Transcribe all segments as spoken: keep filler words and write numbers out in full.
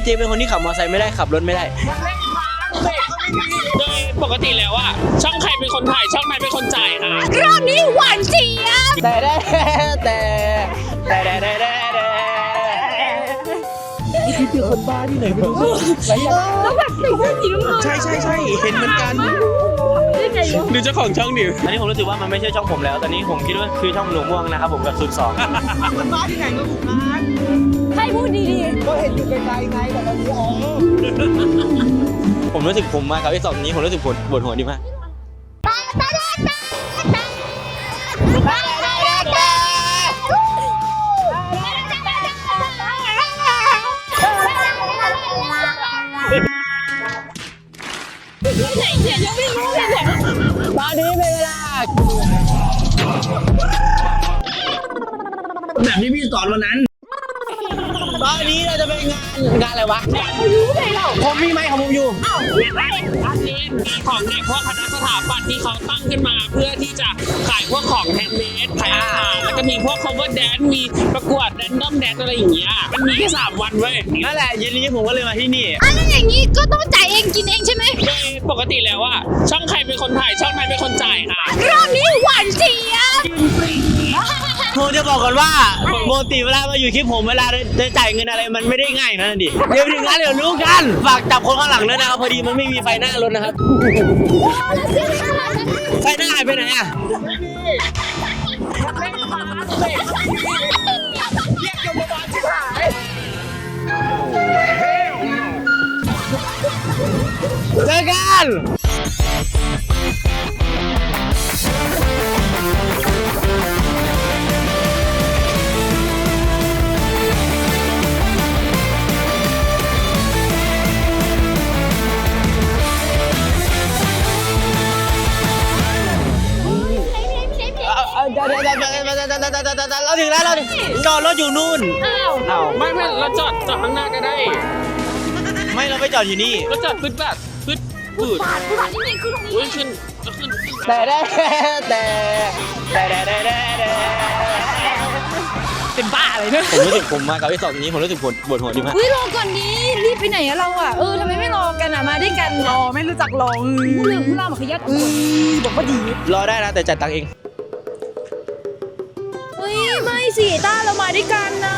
เป็นคนที่ขับมอเตอร์ไซค์ไม่ได้ขับรถไม่ได้โดยปกติแล้วอะช่องใครเป็นคนถ่ายช่องใครเป็นคนจ่ายค่ะรอบนี้หวานเจี๊ยบแต่แต่แต่แต่แต่แต่แต่นี่คือคนบ้าที่ไหนไม่รู้แล้วแบบใส่เสื้อสีน้ำเงินใช่ใช่ใช่เห็นเหมือนกันหรือเจ้าของช่องดิวตอนนี้ผมรู้สึกว่ามันไม่ใช่ช่องผมแล้วตอนนี้ผมคิดว่าคือช่องหลวงม่วงนะครับผมกับศูนย์สองคนบ้าที่ไหนก็ถูกงานให้พูดดีๆก็เห็นอยู่ไกลๆไงแต่ตอนนี้อ๋อผมรู้สึกผมมากับไอ้สองนี้ผมรู้สึกปวดปวดหัวดีมากไหนเสียยังไม่รู้เลยเนี่ยตอนนี้เป็นเวลาแบบที่พี่สอนวันนั้นตอนนี้เราจะไปงานงานอะไรวะไม่รู้เลยเราผมมีไหมของผมอยู่อ้าวไม่ได้อันนี้ของเด็กพวกคณะสถาปัตย์ที่เขาตั้งขึ้นมาเพื่อที่จะขายพวกของแฮนด์เมดขายอาหารแล้วก็มีพวก cover dance มีประกวด random dance อะไรอย่างเงี้ยมันมีแค่สามวันเว้ยนั่นแหละเย็นนี้ผมก็เลยมาที่นี่อันนั้นอย่างนี้ก็ต้องจ่ายเองกินเองใช่ไหมโดยปกติแล้วอะช่องใครเป็นคนถ่ายช่องใครเป็นคนจ่ายค่ะรอบนี้หวานเจี๊ยบผมจะบอกก่อนว่าปกติเวลามาอยู่คลิปผมเวลาจะจ่ายเงินอะไรมันไม่ได้ง่ายนะดิเดี๋ยวถึงงั้นเดี๋ยวรู้กันฝากจับคนข้างหลังด้วยนะครับพอดีมันไม่มีไฟหน้ารถนะครับไฟหน้าหายไปไหนอ่ะเจอกันเดี๋ยวเดี๋ยวเดี๋ยวเดี๋ยวเดี๋ยวเดี๋ยวเดี๋ยวเราถึงแล้วเราจอดรถอยู่นู่นอ้าวอ้าวไม่ไม่เราจอดจอดข้างหน้าก็ได้ไม่เราไปจอดอยู่นี่เราจอดปึ๊ดแบบปึ๊ดปืดปาดปืดปาดนี่นี่คือตรงนี้ขึ้นขึ้นแต่แต่แต่แต่แต่แต่แต่เป็นบ้าอะไรเนี่ยผมรู้สึกผมมากับไอ้สองนี้ผมรู้สึกปวดปวดหัวดีมากเฮ้ยรอก่อนดีรีบไปไหนอะเราอะเออทำไมไม่รอกันอะมาด้วยกันรอไม่รู้จักรอผู้เรื่องผู้เล่ามาขยัดบอกว่าดีรอได้นะแต่จ่ายตังค์เองเฮ้ยไม่สิต้าเรามาด้วยกันนะ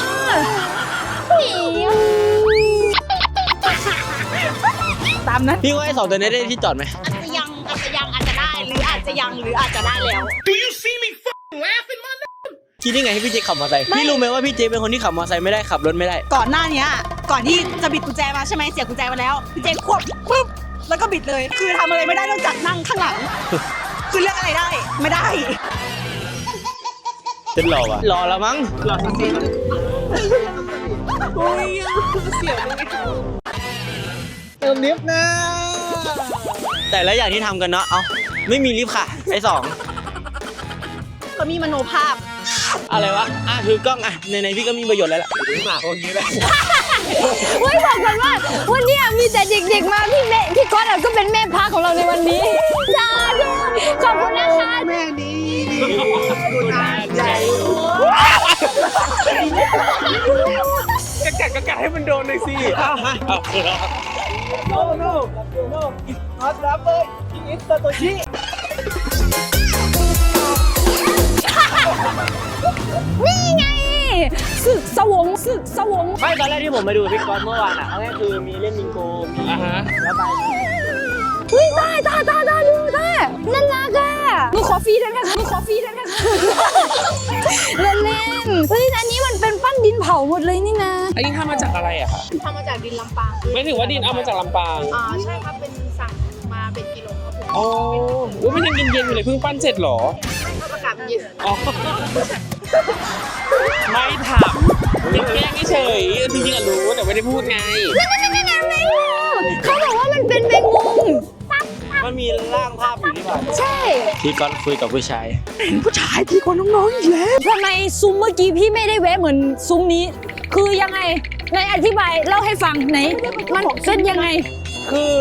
ตามนั้นพี่ว่าไอ้สองตัวนี้ได้ที่จอดไหมอาจจะยังอาจจะยังอาจจะได้หรืออาจจะยังหรืออาจจะได้แล้ว Do you see me fucking laughing man คิดได้ไงให้พี่เจขับมอเตอร์ไซค์พี่รู้ไหมว่าพี่เจเป็นคนที่ขับมอเตอร์ไซค์ไม่ได้ขับรถไม่ได้ก่อนหน้านี้ก่อนที่จะบิดกุญแจมาใช่ไหมเสียบกุญแจมาแล้วพี่เจควบปุ๊บแล้วก็บิดเลยคือทำอะไรไม่ได้นอกจากนั่งข้างหลังคือเลือกอะไรได้ไม่ได้เต้นรอวะรอแล้วมั้งรอสักทีโอ้ยเสียเลยเติมลิฟต์นะแต่ละอย่างที่ทำกันเนาะเอาไม่มีลิฟต์ค่ะไอ้สองก็มีมโนภาพอะไรวะอ่ะถือกล้องอ่ะในในพี่ก็มีประโยชน์แล้วล่ะหมาคนนี้แหละเฮ้ยบอกกันว่าวันนี้มีแต่เด็กๆมาพี่แม่พี่ก๊อตก็เป็นแม่พาของเราในวันนี้จ้าดูขอบคุณนะคะแม่ดีดูน่าใหญ่กะกะกะกะให้มันโดนเลยสิโน่โน่โน่อิสฮอตรับเลยอิสโตโตชินี่ไงสึกสวงสึกสวงไม่ตอนแรกที่ผมมาดูพี่ก๊อตเมื่อวานอ่ะก็คือมีเล่นมิงโกมีอ่าฮะแล้วไปเฮ้ยตาตาตาตาดูตาน่ารักอ่ะหนูขอฟรีได้ไหมคะหนูขอฟรีได้ไหมคะเล่นเล่นเฮ้ยอันนี้มันเป็นปั้นดินเผาหมดเลยนี่นะอันนี้ทำมาจากอะไรอะคะทำมาจากดินลำปางไม่ถึงว่าดินเอามาจากลำปางอ่าใช่ครับเป็นสั่งมาเป็นกิโลครับผมโอ้ยมันยังเย็นๆอยู่เลยเพิ่งปั้นเสร็จหรอไม่ครับอากาศเย็นอ๋อไม่ถามเป็นแกล้งเฉยจริงๆอะรู้แต่ไม่ได้พูดไงนั่นนั่นนั่นนั่นแมงมุมเขาบอกว่ามันเป็นแมงมุมมันมีร่างภาพอยู่นี่หว่าใช่พี่ก๊อตคุยกับผู้ชายเห็นผู้ชายพี่คนน้องๆอีกแล้วทำไมซุ้มเมื่อกี้พี่ไม่ได้แวะเหมือนซุ้มนี้คือยังไงในอธิบายเล่าให้ฟังไหนมันเป็นยังไงคือ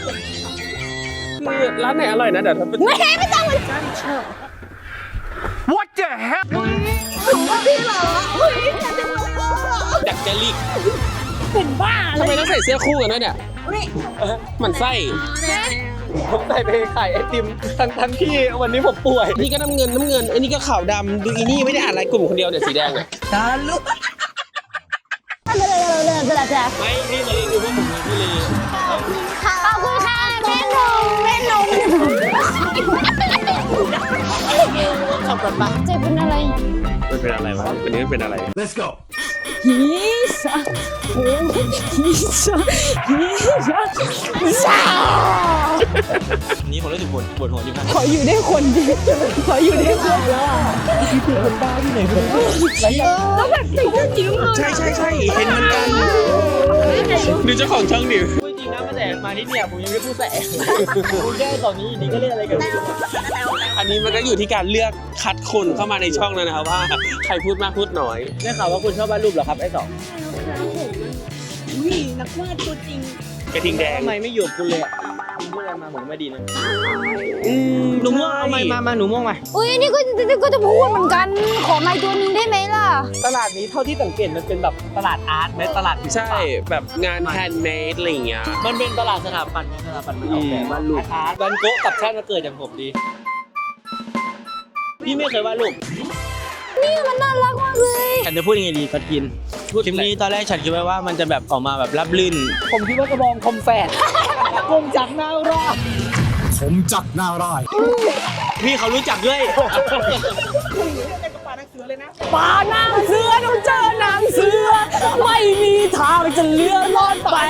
คือร้านไหนอร่อยนะเดี๋ยวทำเป็นไม่ไม่ต้องเลย What the hell พี่เหรอดักเจลิกเป็นบ้าเลทำไมยต้องใส่เสื้อคู่กันด้วยเนี่ยหมันไส้ผมใส่ไปขายไอติมทั้งทั้งที่วันนี้ผมป่วยนี่ก็น้ำเงินน้ำเงินอันนี้ก็ขาวดำดูอีนี่ไม่ได้อ่านไลน์กลุ่มคนเดียวเนี่ยสีแดงเนี่ยตาลุกเลยเลยเลยเลยเลยไม่นี่เลยดูพวกผมเลยพี่เลยขอบคุณค่ะแม่นมแม่นมขับรถปะเจ๊เป็นอะไรมันเป็นอะไรวะวันนี้มันเป็นอะไร Let's go ฮิซาโอ้ฮิซาฮิซาฮิซาอันนี้ผมรู้สึกปวดปวดหัวอยู่นะขออยู่ได้คนเดียวขออยู่ได้คนแล้วอ่ะพี่เป็นคนบ้าที่ไหนคนแล้วแบบใส่เสื้อสีน้ำเงินใช่ใช่ใช่เห็นเหมือนกันดูเจ้าของช่องดิพูดจริงนะมาแต่มาที่เนี่ยผมยังไม่พูดแสพูดแค่ตอนนี้ดีก็เล่นอะไรกันอันนี้มันก็อยู่ที่การเลือกคัดคนเข้ามาในช่องแล้วนะครับว่าใครพูดมากพูดน้อยได้ข่าวว่าคุณชอบวาดรูปเหรอครับไอ้สองอุ้ยนักวาดตัวจริงกระทิงแดงทำไมไม่อยู่กับคุณเลยอ่ะคุณพูดอะไรมาผมไม่ดีนะอืมหนูม่วงเอาไมมามาหนูม่วงมาอุ้ยนี่ก็นี่ก็จะพูดเหมือนกันขอไม้ตัวนึงได้ไหมล่ะตลาดนี้เท่าที่สังเกตมันเป็นแบบตลาดอาร์ตไหมตลาดใช่แบบงานแฮนด์เมดอะไรอย่างเงี้ยมันเป็นตลาดสถาปัตย์ไงสถาปัตย์มันออกแบบวาดรูปอาร์ตวันโกะกับชาติมาเกิดจากผมดีพี่ไม่เคยวาดรูปนี่มันน่ารักมากเลยฉันจะพูดยังไงดีกัดกินคลิปนี้ตอนแรกฉันคิดไว้ว่ามันจะแบบออกมาแบบรับลื่น ผมคิดว่ากระบองคมแฝดคมจักนารอดผมจักหน้าร้ายพี่เขารู้จักด้วยป่านางเสือต้องเจอนางเสือไม่มีทางจะเลื่อนลอดไป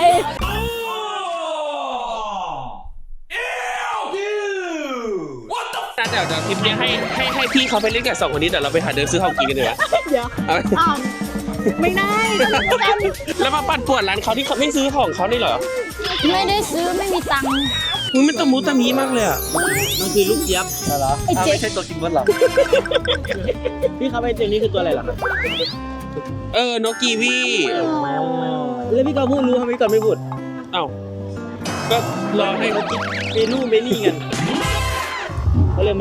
แต่เดี๋ยวเดี๋ยวคลิปนี้ให้ให้ให้พี่เขาไปเล่นกับสองคนนี้เดี๋ยวเราไปหาเดินซื้อของกินกันดีกว่าเดี๋ยวเอาอ้าวไม่ได้กันแล้วมาปั่นป่วนร้านเขาที่เขาไม่ซื้อของเขานี่เหรอไม่ได้ซื้อไม่มีตังค์มันเป็นตะมูตะมีมากเลยอ่ะมันคือลูกเจี๊ยบเหรอไอ้เจ๊ไม่ใช่ตัวกินบดหรอ พี่เขาไปเจอนี่คือตัวอะไรเหรอเออนกกีวีแล้วพี่ก็พูดรู้ทำไมก่อนไม่พูดเอ้าก็รอให้เขากินเมนูเมนี่กันเขาเลยมัน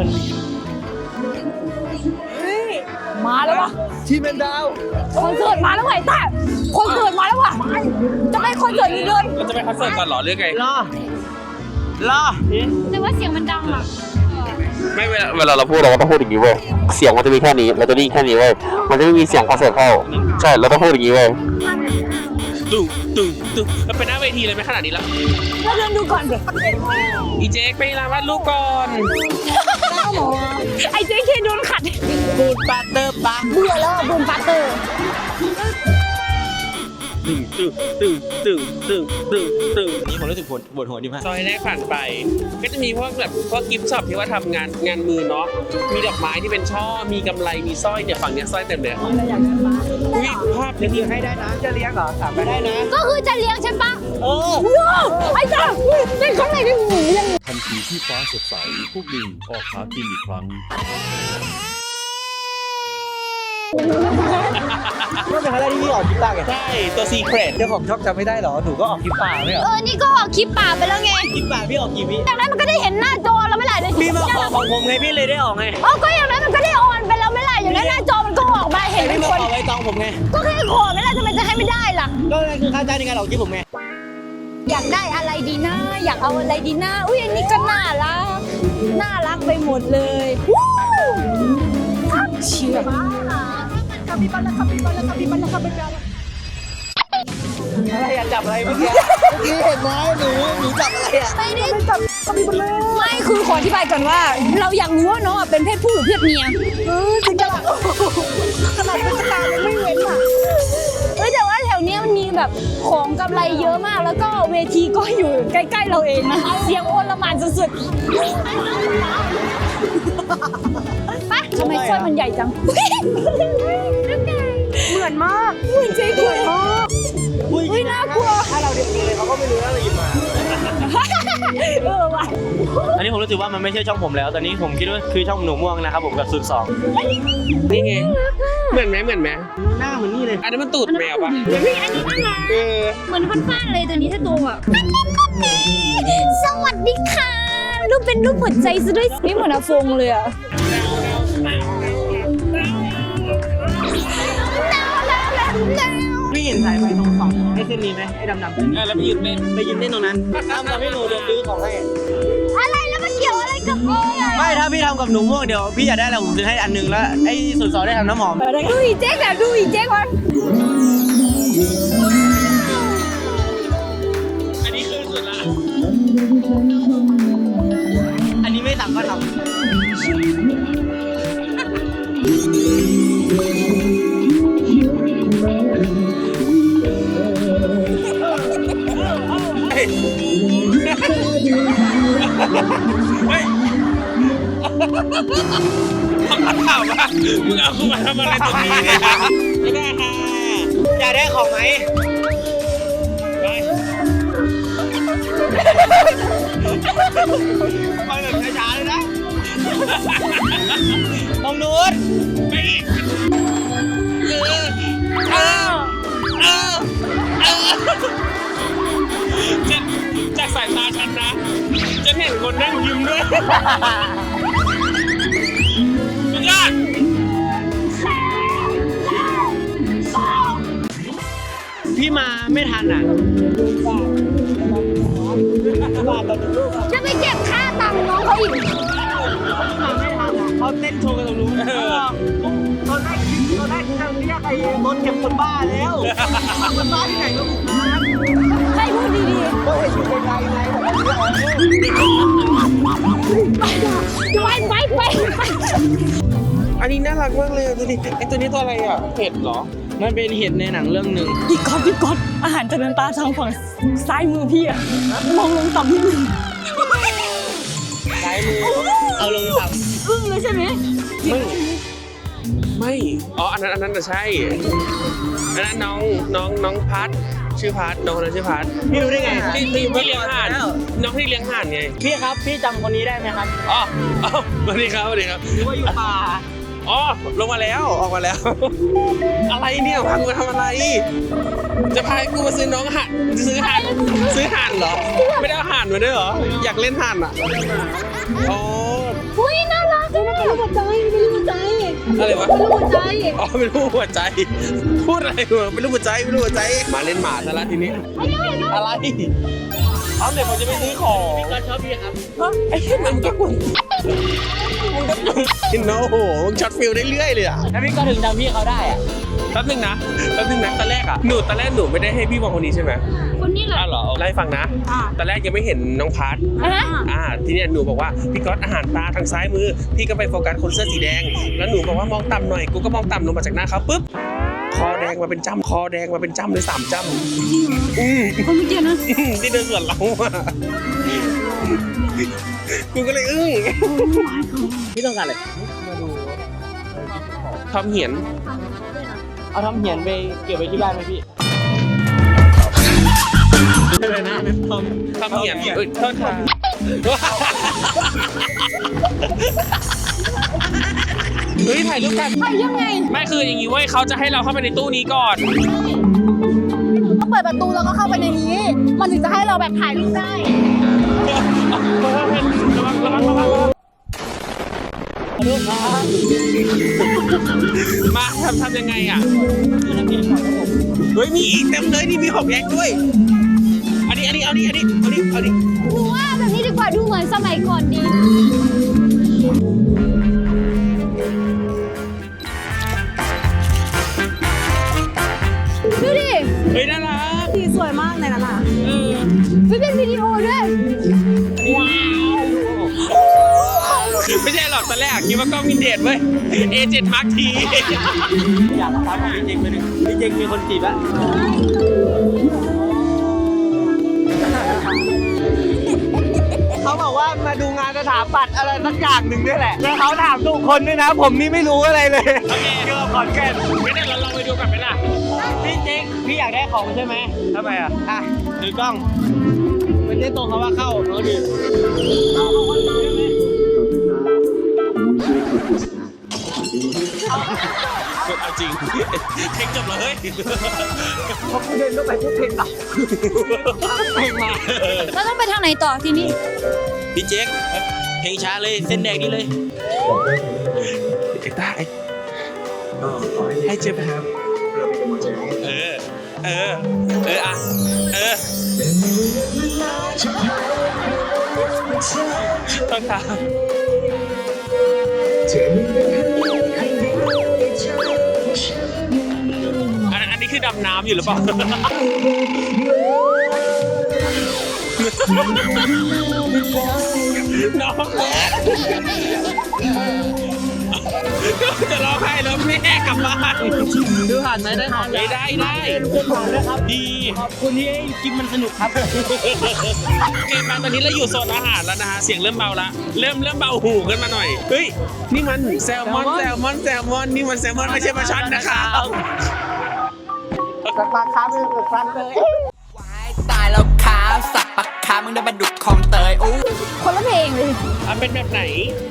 มาแล้ววะทีมเป็นดาวคอนเสิร์ตมาแล้วไงแต่คอนเสิร์ตมาแล้วว่ะจะไปคอนเสิร์ตอีกเดือนเราจะไปคอนเสิร์ตก่อนเหรอหรือไงรอรอแต่ว่าเสียงมันดังอ่ะไม่เวลาเวลาเราพูดเราก็ต้องพูดอย่างนี้เว้ยเสียงมันจะมีแค่นี้เราจะได้ยินแค่นี้เว้ยมันจะไม่มีเสียงคอนเสิร์ตเข้าใช่เราต้องพูดอย่างนี้เว้ยตึ้งตึ้งตึ้งเราไปหน้าเวทีเลยไหมขนาดนี้แล้วแล้วเดินดูก่อนอีเจ๊กไปร้านวาดรูปก่อนไอ้เจ๊เคโดนขัดบูดปาเตอร์ปาเบื่อแล้วอะบูมปาเตอร์ตึ้งตึ้งตึ้งตึ้งตึ้งตึ้งตึ้งนี่ผมรู้สึกปวดปวดหัวดีมากซอยแรกผ่านไป ก็จะมีพวกแบบพวกกิฟต์ช็อปที่ว่าทำงานงานมือเนาะมีดอกไม้ที่เป็นช่อมีกำไรมีสร้อยเนี่ยฝั่งเนี้ยสร้อยเต็มเลยอุ้ยภาพนี้ให้ได้นะจะเลี้ยงเหรอถามไปได้นะก็คือจะเลี้ยงฉันปะเออว้าวไอ้จ้าเป็นข้างในได้หูยังทันทีที่ฟ้าสดใส พวกลิงออกหากินอีกครั้งก็เป็นครั้งแรกที่พี่ออกคลิปป่าไงใช่ตัวซีเครตเดี๋ยวผมชอบจำไม่ได้หรอหนูก็ออกคลิปป่าไม่เหรอเออนี่ก็ออกคลิปป่าไปแล้วไงคลิปป่าพี่ออกกี่วิอย่างนั้นมันก็ได้เห็นหน้าจอแล้วไม่หล่ะเลยพี่มาขอของผมไงพี่เลยได้ออกไงอ๋อก็อย่างนั้นมันก็ได้ออนไปแล้วไม่หล่ะอย่างนั้นหน้าจอมันก็ออกมาเห็นแต่เป็พี่นมาคนขอไว้ตองผมไงก็แค่ขอไม่หล่ะทำไมจะให้ไม่ได้ล่ะก็นั่นคือค่าจ้างในการออกคลิปผมไงอยากได้อะไรดีนะอยากเอาอะไรดีนะอุ้ยอันนี้ก็น่ารักน่ารักไปหมดเลยวู้เชื่อคาปิบาลาคาปิบาลาคาปิบาลาคาปิบาลาอะไรอะจับอะไรเมื่อกี้เมื่อกี้เห็นไหมหนูหนูจับอะไรอะไม่ได้จับไม่คือขออธิบายก่อนว่า เราอยากรู้ว่าน้องอะเป็นเพศผู้หรือเพศเมียเออจริงจังขนาดเป็นตายังไม่เว้นอ่ะเอ้ยแต่ว่าแถวเนี้ยมันมีแบบของกำไรเยอะมาก แล้วก็เวทีก็อยู่ใกล้ๆเราเองนะเสียงโอลหม่านสุดๆไปทำไมสร้อยมันใหญ่จังเหมือนมากเหมือนเจ๊เหมือนมากอุ้ยน่ากลัวถ้าเราเด็กเลยเขาก็ไม่รู้ว่าเราหยิบมาเออว่ะอันนี้ผมรู้สึกว่ามันไม่ใช่ช่องผมแล้ว ตอนนี้ผมคิดว่าคือช่องหนูม่วงนะครับผมกับสุดสองนี่ไงเหมือนไหมเหมือนไหมหน้าเหมือนนี่เลยอันนั้นมันตูดแมวปะเฮ้ยอันนี้น่ารักเออเหมือนฟ้านๆเลยตัวนี้ถ้าโตอ่ะสวัสดีค่ะรูปเป็นรูปหัวใจซะด้วยนี่เหมือนอาฟงเลยอ่ะพี่เห็นสายไฟตรงฝั่งไอ้เส้นนี้ไหมไอ้ดำๆเส้นนี้เออแล้วไปยืนเล่นไปยืนเล่นตรงนั้นทำกับพี่หนูเดี๋ยวซื้อของให้อะไรแล้วมันเกี่ยวอะไรกับโอ้ยอะไม่ถ้าพี่ทำกับหนูม่วงเดี๋ยวพี่อยากได้อะไรผมซื้อให้อันหนึงแล้วไอ้ส่วนสองได้ทำน้ำหอมดูอีเจ๊กแบบดูอีเจ๊กวันอันนี้คือสุดละอันนี้ไม่สั่งก็ทถามว่ามึงเอากูมาทำอะไรตรงนี้เนี่ยไม่ได้ค่ะำอยากได้ของไหมไปไปแบบช้าๆเลยนะตรงนู้นไปอีกเออเออเออเออจากจากสายตาฉันนะฉันเห็นคนนั่งยิ้มด้วยสุดยอดพี่มาไม่ทันอ่ะจะไปเก็บค่าตังค์น้องเขาอีกมาไม่ทันอ่ะเขาเต้นโชว์กันตรงนู้นตอนแรกตอนแรกจะเรียกไอ้รถเก็บคนบ้าแล้วคนบ้าที่ไหนก็บุกมาให้พูดดีก็ให้ชุดไกลๆไงแบบๆไปไปไปไปอันนี้น่ารักมากเลยดูดิไอตัวนี้ตัวอะไรอ่ะเห็ดเหรอมันเป็นเห็ดในหนังเรื่องหนึ่งพี่ก๊อตพี่ก๊อตอาหารจะเดินตาทางฝั่งซ้ายมือพี่อะมองลงต่ำนิดนึงซ้ายมือเอาลงต่ำอึ้งเลยใช่ไหมไม่ไม่อ๋ออันนั้นอันนั้นจะใช่อันนั้นน้องน้องน้องพัดชื่อพัดน้องคนนั้นชื่อพัดพี่รู้ได้ไงที่ที่ที่เลี้ยงห่านน้องที่เลี้ยงห่านไงพี่ครับพี่จำคนนี้ได้ไหมครับอ๋ออ๋อสวัสดีครับสวัสดีครับหรือว่าอยู่ป่าอ๋อลงมาแล้วออกมาแล้ว อะไรเนี่ยพากูมาทำอะไร จะพากูมาซื้อน้องห่านซื้อห่านซื้อห่านเหรอ ไม่ได้เอาห่านมาด้วยเหรออยากเล่นห่านอ่ะอ๋ออุ้ยน่ารักเลยไม่รู้หัวใจไม่รู้หัวใจอะไรวะไม่รู้หัวใจอ๋อไม่รู้หัวใจ พูดอะไรวะไม่รู้หัวใจไม่รู้หัวใจ มาเล่นหมาซะละทีนี้ อะไรเอาเดี๋ยวผมจะไปซื้อของพี่ก็ชอบพี่ครับไอ้เหี้ยมันก็มึงมึงก็มึงโอ้โหมึงช็อตฟิลได้เรื่อยเลยอ่ะแล้วพี่ก็ถึงจำพี่เขาได้อะแป๊บนึงนะแป๊บนึงนะตอนแรกอ่ะหนูตอนแรกหนูไม่ได้ให้พี่มองคนนี้ใช่ไหมคนนี้แหละอ้าวเหรอไล่าให้ฟังนะตอนแรกยังไม่เห็นน้องพัทอ่ะอ่าทีเนี้ยหนูบอกว่าพี่ก๊อตอาหารตาทางซ้ายมือพี่ก็ไปโฟกัสคนเสื้อสีแดงแล้วหนูบอกว่ามองต่ำหน่อยกูก็มองต่ำลงมาจากหน้าเขาปุ๊บคอแดงมาเป็นจ้ำคอแดงมาเป็นจ้ำเลยสามจ้ำอืมคนเมื่อกี้นะที่เดินสวนเราอ่ะกูก็เลยอึ้งพี่ต้องการอะไรทำเหียนเอาทำเหียนไปเก็บไว้ที่บ้านไหมพี่อะไรนะทำทำเหียนเอ้ยโทษค่ะเฮ้ยถ่ายรูปกันไปยังไงไม่คืออย่างนี้เว้ยเขาจะให้เราเข้าไปในตู้นี้ก่อนก็เปิดประตูแล้วก็เข้าไปในนี้ มันถึงจะให้เราแบบถ่ายรูปได้มาทำทำยังไงอ่ะเฮ้ยมีอีกเต็มเลยนี่มีหกแยกด้วย อันนี้อันนี้เอานี้อันนี้เอานี้เอานี้หนูว่าแบบนี้ดีกว่าดูเหมือนสมัยก่อนดีดูดิเฮ้ยน่ารักสีสวยมากในนั้นอ่ะเออไม่เป็นวิดีโอด้วยว้าวไม่ใช่หรอกตอนแรกคิดว่ากล้องวินเทจเว้ย เอ เจ็ด Mark ทีอยากถามพี่เจงไปหนึ่งพี่เจงมีคนจีบละเขาบอกว่ามาดูงานสถาปัตย์อะไรสักอย่างหนึ่งด้วยแหละแล้วเขาถามทุกคนด้วยนะ ผมนี่ไม่รู้อะไรเลยโอเคเกี่ยวกับขอนแก่นไม่ได้เราลองไปดูกันไหมล่ะพี่เจงพี่อยากได้ของใช่ไหมทำไมอ่ะอ่ะถือกล้องไม่ได้ตรงเขาว่าเข้าเขาดีเอาเอาคนมาได้ไหมเอาจริงเพลงจบแล้วเฮ้ยพอเขาเดินเข้าไปพวกเพลงดับเพลงมาแล้วต้องไปทางไหนต่อทีนี้พี่เจ๊กเพลงช้าเลยเส้นแดงนี่เลยเด็กได้ให้เจ็บครับเออเออ เอออ่ะเออต้องทำอันอันนี้คือดำน้ำอยู่หรือเปล่า น้องแม่จะร้องไห้แล้วแม่กลับบ้านดูผ่านไหมได้ผ่านได้ได้ได้เพื่อนผ่านด้วยครับดีขอบคุณที่ให้คลิปมันสนุกครับโอเคมาตอนนี้เราอยู่โซนอาหารแล้วนะฮะเสียงเริ่มเบาละเริ่มเริ่มเบาหูขึ้นมาหน่อยเฮ้ยนี่มันแซลมอนแซลมอนแซลมอนนี่มันแซลมอนไม่ใช่ปลาช่อนนะครับปลาคาร์ฟเป็นครั้งเลยตายแล้วขาสับปากขามึงได้บรรดุดคลองเตยอู้คนละเพลงเลยอ่ะเป็นแบบไหน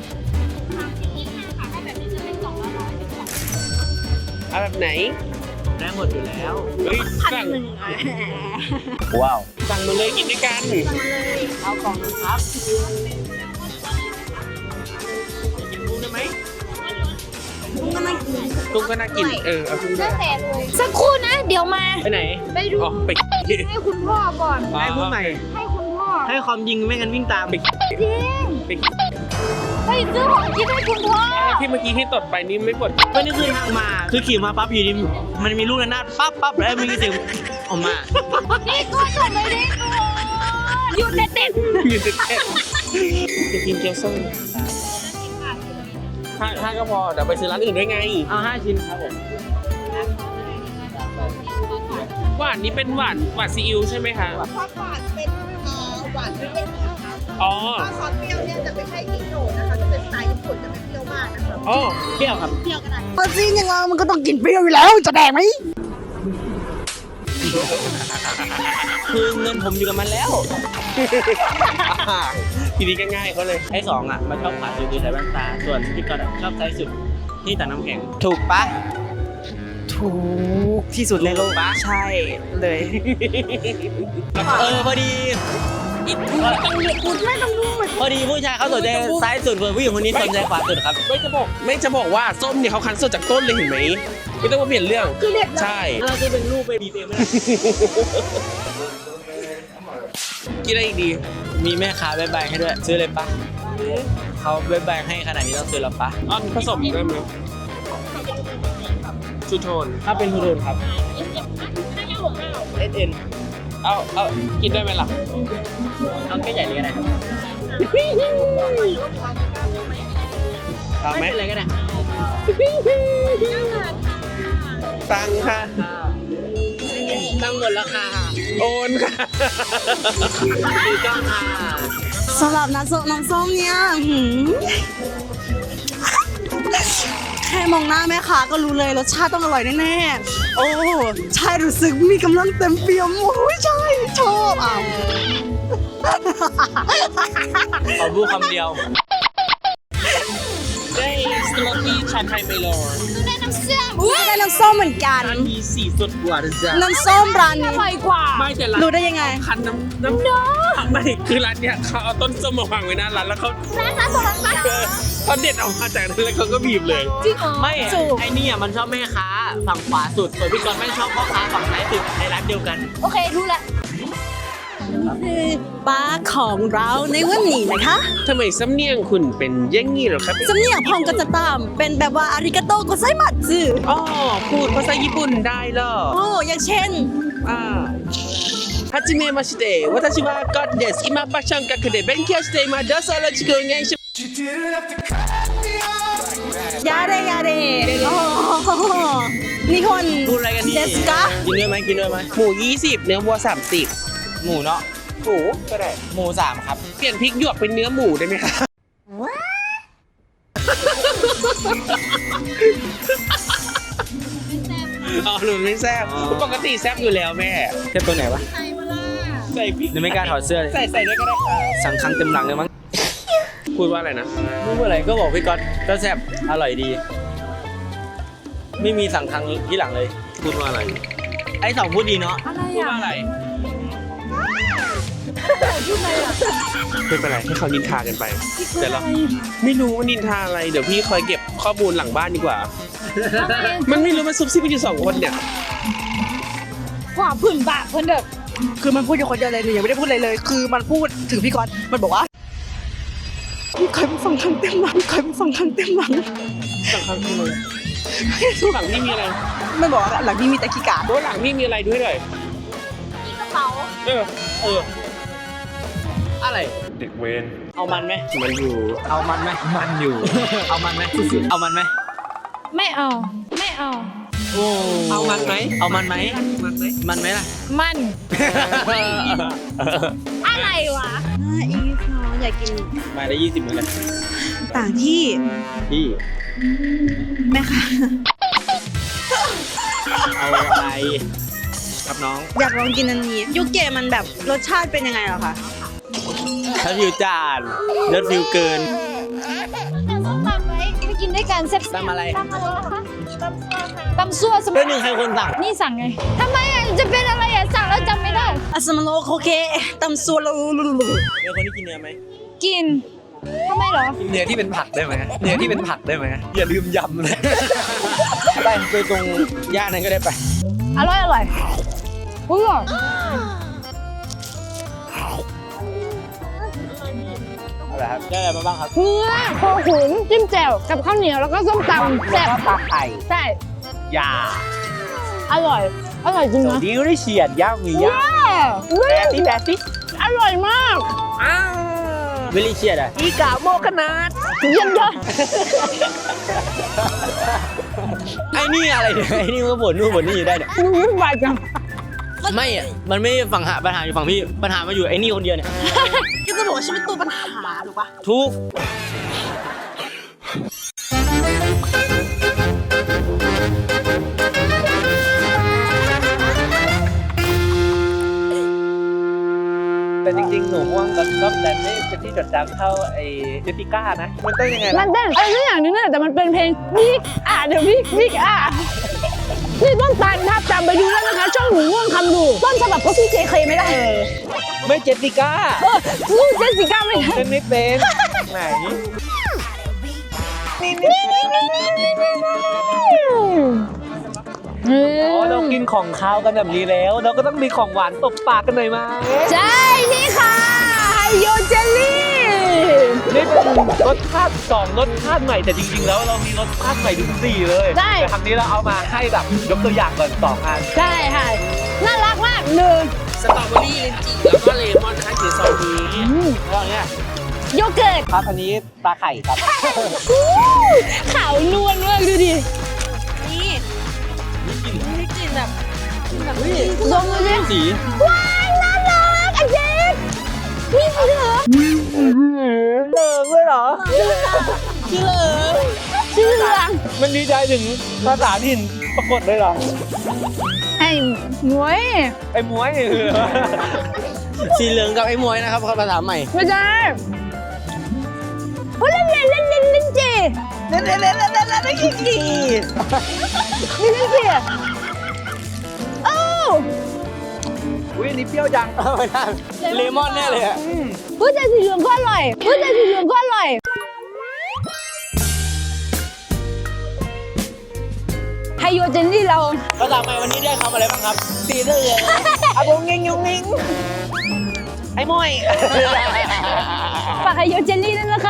เอาแบบไหนได้หมดอยู่แล้วเฮ้ยสั่งว้าวสั่งมาเลยกินด้วยกันเอากล่องครับกินกุ้งได้ไหมกุ้งก็น่ากินเออเอากุ้งด้วยสักครู่นะ เดี๋ยวมาไปไหนไปดูอ๋อไปให้คุณพ่อก่อนให้พูดใหม่ให้คุณพ่อให้ความยิงไม่งั้นวิ่งตามจริงไปไปซื้อของกินให้คุณพ่อที่เมื่อกี้ที่ตดไปนี่ไม่ปวดก็นี่คือทางมา คือขี่มาปั๊บอยู่ดีมันมีลูกระนาดปั๊บปั๊บแล้วมีเสียงออกมานี่ก็จบเลยดิหยุดเด็ดเด็ดอยู่ติดแค่จะกินเกี๊ยวส้มห้าห้าก็พอเดี๋ยวไปซื้อร้านอื่นด้วยไงเอาห้าชิ้นครับผมหวานนี้เป็นหวานหวานซีอิ๊วใช่ไหมคะซอสหวานเป็นเอ่อหวานไม่เป็นค่ะอ๋อซอสเปรี้ยวเนี่ยจะไม่ใช่อิโนะนะคะจะเป็นสไตล์ญี่ปุ่นจะไม่เปรี้ยวมากนะคะอ๋อเปรี้ยวครับเปรี้ยวก็ได้ปลาจีนอย่างเรามันก็ต้องกินเปรี้ยวอยู่แล้วจะแดกไหมคือเงินผมอยู่กับมันแล้วทีนี้ก็ง่ายเขาเลยไอ้สองอ่ะมันชอบขาดอยู่ที่ใส่แว่นตา ส่วนพี่กอดชอบใช้สุดที่ตักน้ำแข็ง ถูกปะถูกที่สุดในโลกใช่เลยเออพอดีพอดีผู้ชายเขาสนใจซ้ายสุดส่วนผู้หญิงคนนี้สนใจขวาสุดครับไม่จะบอกไม่จะบอกว่าส้มเนี่ยเขาคั้นสดจากต้นเลยเห็นไหมไม่ต้องมาเปลี่ยนเรื่องใช่เราจะเป็นรูปไปดีเทลไม่ได้กินอะไรอีกดีมีแม่ค้าใบใบให้ด้วย ซื้อเลยปะเขาใบใบให้ขนาดนี้ต้องซื้อแล้วปะอ๋อผสมได้ไหมชูโทนถ้าเป็นทูโดนครับเอสเอ็นเอาเอากินได้ไหมล่ะเอาแค่ใหญ่เลยก็ได้ครับเอาไหมไม่เป็นไรก็ได้ตังค่ะตั้งหมดแล้วค่ะโอนค่ะถูกต้องค่ะสำหรับน้ำส้มน้ำส้มเนี่ยหืมแค่มองหน้าแม่ค้าก็รู้เลยรสชาติต้องอร่อยแน่ๆ โอ้ใช่รู้สึกมีกำลังเต็มเปี่ยมโอ้ยใช่ชอบอ่ะขอพูดคำเดียวได้สโลตี้ชาไทยไมโลได้น้ำเชื่อมอุ้ยได้น้ำส้มเหมือนกันอันมีสีสดกว่านะจ๊ะน้ำส้มร้านอนี้ร่อยกว่าไม่แต่ร้านรู้ได้ยังไงคันน้ำน้ำไม่คือร้านเนี้ยเขาเอาต้นส้มมาวางไว้หน้าร้านแล้วเขาร้านค้าส่งร้านค้าเออเขาเด็ดออกมาจากนั้นแล้วเขาก็บีบเลยจริงเหรอไม่จูบไอ้นี่อ่ะมันชอบแม่ค้าฝั่งขวาสุด ส่วนพี่กรณ์ไม่ชอบพ่อค้าฝั่งซ้ายสุดในร้านเดียวกันโอเครู้ละคือปลาของเราในวันนี้นะคะทำไมสำเนียงคุณเป็นอยังงี้เหรอครับสำเนียงพองก็จะตาม เป็นแบบว่าอาริกาโตโกไซมัตสึอ๋อพูดภาษาญี่ปุ่นได้เหรอโอ้อย่างเช่นอ่าはじめまして私はガッです今パッション学で勉強していますどうぞよろしくお願いしますยาเรยาเรโอ้โหนิฮอนพูดอะไรกันนี่เดสกะกินด้วยไหมกินด้วยไหมหมูยี่สิบเนื้อวัวสามสิบหมูเนาะหมูก็ได้หมูสามครับเปลี่ยนพริกหยวกเป็นเนื้อหมูได้ไหมคะอ๋อหนูไม่แซ่บปกติแซ่บอยู่แล้วแม่เทียบตัวไหนวะใส่พริกยังไม่กล้าถอดเสื้อเลยใส่ใส่ได้ก็ได้ค่ะสังคังเต็มหลังเลยมั้งพูดว่าอะไรนะไม่พูดอะไรก็บอกพี่ก๊อตก็แซ่บอร่อยดี ไม่มีสังคังที่หลังเลยพูดว่าอะไรไอ้สองพูดดีเนาะพูดว่าอะไรไม่เป็นไรให้เขานินทากันไป แต่เราไม่รู้ว่านินทาอะไร เดี๋ยวพี่คอยเก็บข้อมูลหลังบ้านดีกว่า มันไม่รู้มันซุบซิบกันอยู่สองคนเนี่ยขวาผื่นปากเพื่อนเด็กคือมันพูดอยู่คนเดียวเลยหนูยังไม่ได้พูดอะไรเลย คือมันพูดถึงพี่กรณ์มันบอกว่าพี่เคยมาฟังคำเต็มหลังเคยมาฟังคำเต็มหลังสั่งครั้งที่เลยหลังนี่มีอะไรมันบอกว่าหลังนี้มีแต่ขี้กาเพราะว่าหลังนี่มีอะไรด้วยเลยมีกระเป๋าเออเออ อะไรเด็กเวรเอามันไหมมันอยู่เอามันไหมมันอยู่ เอามันไหมเอามันไหมไม่เอา ไม่เอาโอ้เอามันไหมเอามันไหมมันไหมมันไหมล่ะมัน อะไรวะน่าอีฟน้องอยากกินมาได้ยี่สิบเหมือนกันต่างที่พี่แม่ค่ะเอาอะไรครับน้องอยากลองกินอันนี้ยูเกะมันแบบรสชาติเป็นยังไงเหรอคะถ้าฟิวจานเลือดฟิวเกินส้มตำไหมไปกินด้วยกันแซ่บๆตำอะไรตำอะไรคะตำซั่วสเรื่องหนึ่งใครคนสั่งนี่สั่งไงทำไมอ่ะจะเป็นอะไรอ่ะสั่งแล้วจำไม่ได้อาซามาโลโคเคตำซัวลูลูลูเป็นคนที่กินเนื้อไหมกินทำไมเหรอเนื้อที่เป็นผักได้ไหมเนื้อที่เป็นผักได้ไหมอย่าลืมยำเลย ไปไปตรงย่านนั้นก็ได้ไปอร่อยอร่อยเพื่ออะไรครับได้อะไรมาบ้างครับเนื้อโคขุนจิ้มแจ่วกับข้าวเหนียวแล้วก็ส้มตำแซ่บปลาไข่ใช่ยาอร่อย อร่อยจริงสวันะสดีก็ได้เฉียดย่างมีย่างเว้ยแบตตี้แบตตี้อร่อยมากวิลลี่เฉียดอ่ะอีกาโมขนาดเยี่ยมยอดไอ้นี่อะไรเนี่ยไอ้นี่มันก็บ่นนู่นบ่นนี่ได้เนี่ยมึงวุ่นวายจังไม่อะมันไม่ฝั่งหาปัญหาอยู่ฝั่งพี่ปัญหามาอยู่ไอ้นี่คนเดียวเนี่ยก็จะบอกว่าฉันเป็นตัวปัญหาถูกปะทุกแต่จริงๆ หนูม่วงกับก็แต่ไม่เป็นที่จดจำเท่าไอ้เจสสิก้านะ มันเต้นยังไงมัล่ะนเต้นอะไรสักอย่างหนึงเนี่ยแต่มันเป็นเพลงวิกอ่ะเดี๋ยววิกวิกอ่ะนี่ต้นตาลภาพจำไปดูแล้วนะคะ ช่องหนูม่วงคำดูต้นฉบับก็สู้เจเคไม่ได้ไม่เจสสิก้าเออสู้เจสสิก้าไม่ได้เต้นไม่เป็นไหนอืมอ๋อเรากินของคาวกันแบบนี้แล้ว เราก็ต้องมีของหวานตบปากกันหน่อยมาใช่นี่ค่ะไฮโยเจลลี่นี่เป็นรสชาติสองรสชาติใหม่แต่จริงๆ แล้วเรามีรสชาติใหม่ถึงสี่เลยใช่แต่ครั้งนี้เราเอามาให้แบบยกตัวอย่างก่อนสองอันใช่ค่ะน่ารักมากหนึ่งสตรอเบอรี่ลินจีแล้วก็เลมอนค่ะอยู่ซองนี้แล้วเนี่ยโยเกิร์ตครับอันนี้ปลาไข่ครับอู้ขาวนวลมากดูดินี่นี่กลิ่นแบบแบบลองดูดิสีว้ายน่ารักอันเจนนี่เหรอเลิกเลยเหรอชื่อเหลืองชื่อเหลืองมันดีใจถึงภาษาถิ่นปรากฏเลยเหรอไอ้หมวยไอ้มวยนี่คืออะไรวะสีเหลืองกับไอ้มวยนะครับภาษาใหม่ไม่ใช่โอ้เล่นเล่นเล่นเล่นเล่นเจเล่นเล่นเล่นเล่นเล่นเล่นขี้ขี้นี่เล่นเจโอ้อุ้ยอันนี้เปรี้ยวจังไม่ได้เลมอนแน่เลยอะพูดแต่สีเหลืองก็อร่อยพูดแต่สีเหลืองก็อร่อยไฮโยเจนนี่เราภาษาใหม่วันนี้ได้คำอะไรบ้างครับ สีเหลืองอะบงเงงยงเงงไอ้มวยฝากไฮโยเจนนี่ด้วยนะคะ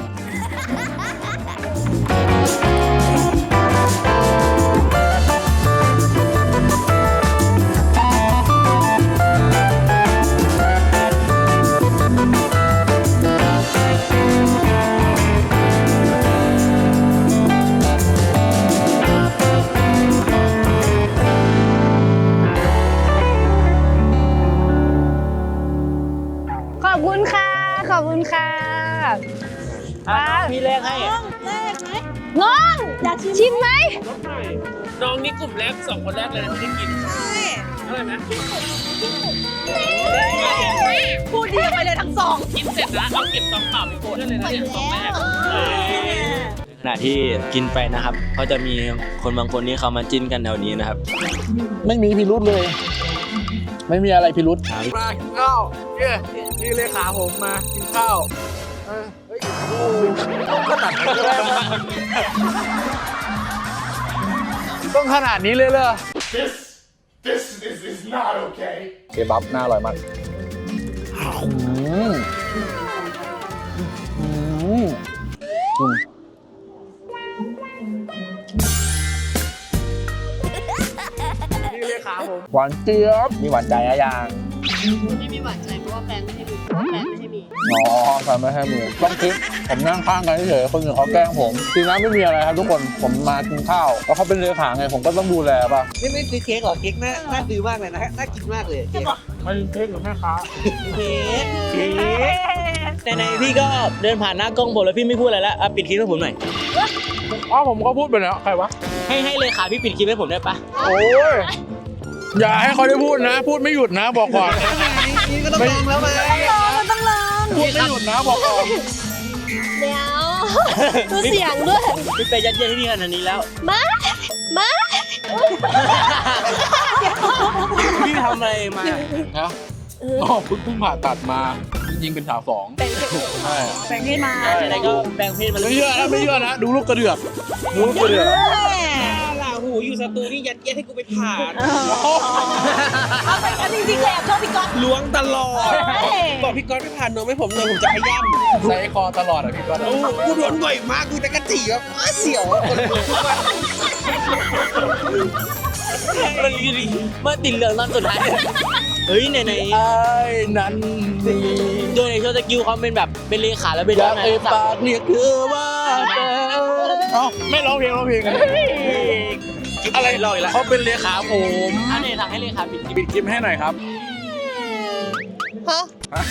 ขอบคุณค่ะ ขอบคุณค่ะอ่ะพี่แรกให้อะแรกไหมน้องอยากชิมไหมน้องนี่กลุ่มแรกสองคนแรกเลยนะที่ได้กินอร่อยไหมพูดดีไปเลยทั้งสองกินเสร็จแล้วเอาเก็บซองเปล่าไปโกดได้เลยนะเนี่ยซองแรกขณะที่กินไปนะครับก็จะมีคนบางคนที่เขามาจิ้นกันแถวนี้นะครับไม่มีพิรุษเลย ไม่มีอะไรพิรุษครับมากินข้าวเนี่ยนี่เลขาผมมากินข้าวเออเฮ้ยโอ้ต้องขนาดนี้เลยต้องขนาดนี้เลยเหรอ This is is not okay เคบับน่าอร่อยมากอืมอืมอืมนี่เลยขาผมหวานเจี๊ยบมีหวานใจอะยังไม่มีหวานใจเพราะว่าแฟนไม่ให้มีเพราะว่าแฟนไม่ให้มีอ๋อแฟนไม่ให้มีต้องคิดผมนั่งข้างกันเฉยๆคนอื่นเขาแกล้งผมจริงๆไม่มีอะไรครับทุกคนผมมากินข้าวแล้วเขาเป็นเลขาไงผมก็ต้องดูแลป่ะนี่ไม่ซื้อเค้กหรอ เค้กน่าน่าซื้อมากเลยนะ น่ากินมากเลยเค้กไม่เค้กหรือแม่ค้าเค้กเค้กในๆพี่ก็เดินผ่านหน้ากล้องผมแล้วพี่ไม่พูดอะไรแล้วอ่ะปิดคลิปให้ผมหน่อยอ๋อผมก็พูดไปแล้วใครวะให้ให้เลยค่ะพี่ปิดคลิปให้ผมได้ปะโอ้ยอย่าให้เขาได้พูดนะ พูดไม่หยุดนะบอกก่อนนี่ก็ต้องลองแล้วไหมต้องลองพูดไม่หยุดนะบอกก่อนเดี๋ยวดูเสียงด้วยพี่ไปยัดเยียดให้พี่ขนาดนี้แล้วมามาพี่ทำอะไรมานะอ๋อเพิ่งเพิ่งผ่าตัดมาจริงๆเป็นสาวสองใช่แบ่งให้มาไหนๆก็แปลงเพศมาแล้วไม่เชื่อนะไม่เชื่อนะดูลูกกระเดือกดูลูกกระเดือกล่ะหูอยู่สตูนี่ยัดเยียดให้กูไปผ่านเอาไปกันจริงๆแหละชอบพี่ก๊อตล้วงตลอด บอกพี่ก๊อตไปผ่านนมให้ผมหน่อยผมจะพยายามใส่คอตลอดอ่ะพี่ก๊อตโอ้กูโดนบ่อยมากกูตะกะจีแบบอ้าเสียวคนลุกทุกวันมันเมื่อติดเหลืองตอนสุดท้ายเฮ้ยไหนไอ้นั้นดีๆโดยในโชว์สกิลเขาเป็นแบบเป็นเลขาแล้วเป็นอยากไงเอ่ยปากเรียกเธอว่าเธอเอ้าไม่ร้องเพลงร้องเพลงกันอะไรเราอีกแล้วเขาเป็นเลขาผมอันไหนสั่งให้เลขาปิดคลิปปิดคลิปให้หน่อยครับฮะ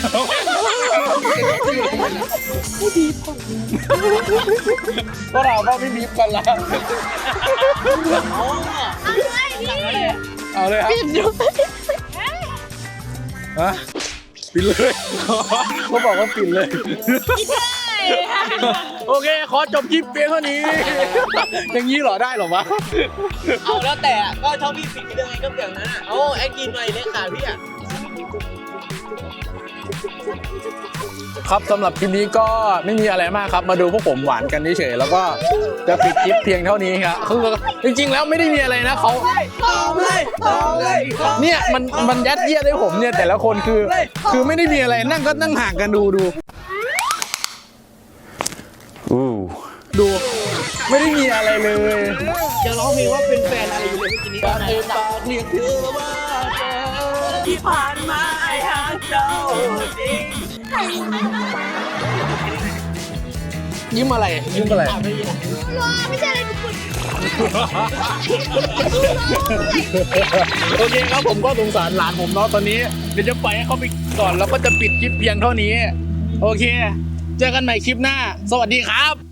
ก็เราก็ไม่บีบกันละ เอาเลยครับปิดด้วยฮะปิดเลยเขาบอกว่าปิดเลยโอเคขอจบคลิปเพียงเท่านี้ อย่างนี้เหรอได้เหรอวะเอาแล้วแต่ก็ชอบพี่ปิดยังไงก็เปลี่ยนนั้นอ่ะโอ้แอคกินหน่อยเลขาพี่อ่ะครับสำหรับคลิปนี้ก็ไม่มีอะไรมากครับมาดูพวกผมหวานกันเฉยๆแล้วก็จะปิดคลิปเพียงเท่านี้ครับคือจริงๆแล้วไม่ได้มีอะไรนะเขาเนี่ยมันมันยัดเยียดให้ผมเนี่ยแต่ละคนคือ คือไม่ได้มีอะไรนั่งก็นั่งห่างกันดูดูดูไม่ได้มีอะไรเลยจะร้องเพลงว่าเป็นแฟนอะไรอยู่เลยเมื่อกี้นี้การเอ่ยปากเรียกเธอว่าเธอที่ผ่านมาไอ้หาเจ้าจริงยิ้มอะไรยิ้มอะไรไม่ใช่อะไรทุกคนโอเคครับผมก็สงสารหลานผมเนาะตอนนี้เดี๋ยวจะปล่อยให้เขาไปก่อนแล้วก็จะปิดคลิปเพียงเท่านี้โอเคเจอกันใหม่คลิปหน้าสวัสดีครับ